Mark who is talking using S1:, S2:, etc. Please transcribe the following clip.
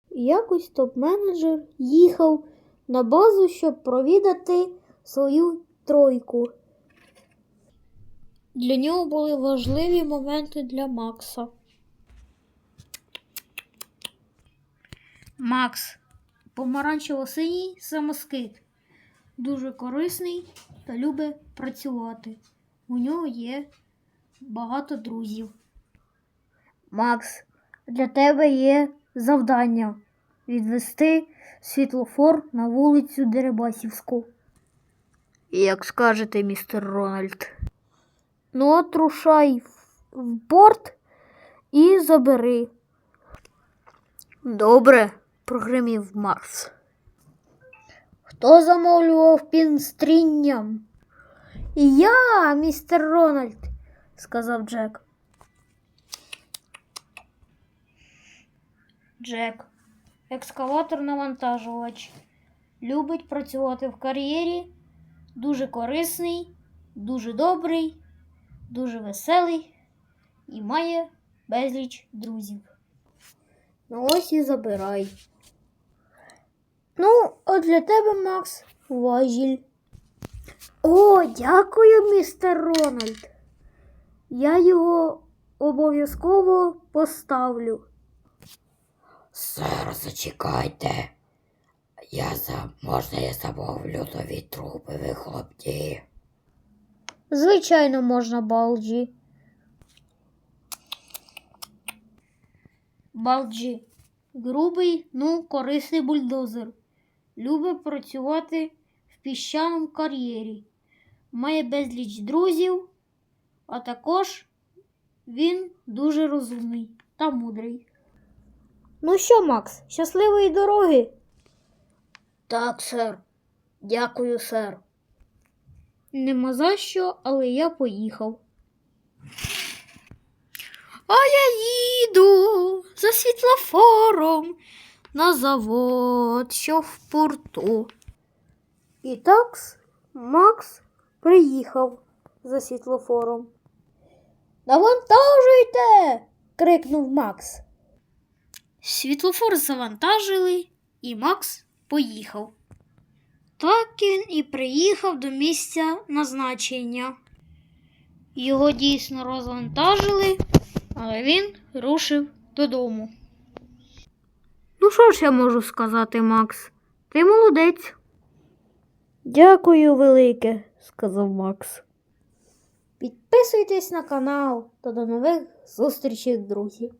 S1: І якось топ-менеджер їхав на базу, щоб провідати свою тройку. Для нього були важливі моменти для Макса. Макс – помаранчево-синій самоскид. Дуже корисний та любить працювати. У нього є багато друзів. Макс, для тебе є завдання – відвести світлофор на вулицю Дерибасівську. Як скажете, містер Рональд. Ну от рушай в порт і забери. Добре, прогримів Макс. Хто замовлював пінстрінням? Я, містер Рональд, сказав Джек. Джек, екскаватор-навантажувач, любить працювати в кар'єрі, дуже корисний, дуже добрий, дуже веселий і має безліч друзів. Ну ось і забирай. Ну, от для тебе, Макс, важіль. О, дякую, містер Рональд. Я його обов'язково поставлю.
S2: Сер, зачекайте. Можна я замовлю нові труби вихлопні?
S1: Звичайно, можна, Балджі. Балджі. Грубий, корисний бульдозер. Любить працювати в піщаному кар'єрі. Має безліч друзів, а також він дуже розумний та мудрий. Ну що, Макс, щасливої дороги?
S2: Так, сер. Дякую, сер.
S1: Нема за що, але я поїхав. А я їду за світлофором на завод, що в порту. І так Макс приїхав за світлофором. «Навантажуйте!» – крикнув Макс. Світлофор завантажили, і Макс поїхав. Так він і приїхав до місця назначення. Його дійсно розвантажили, але він рушив додому. Ну що ж я можу сказати, Макс? Ти молодець. Дякую велике, сказав Макс. Підписуйтесь на канал та до нових зустрічей, друзі.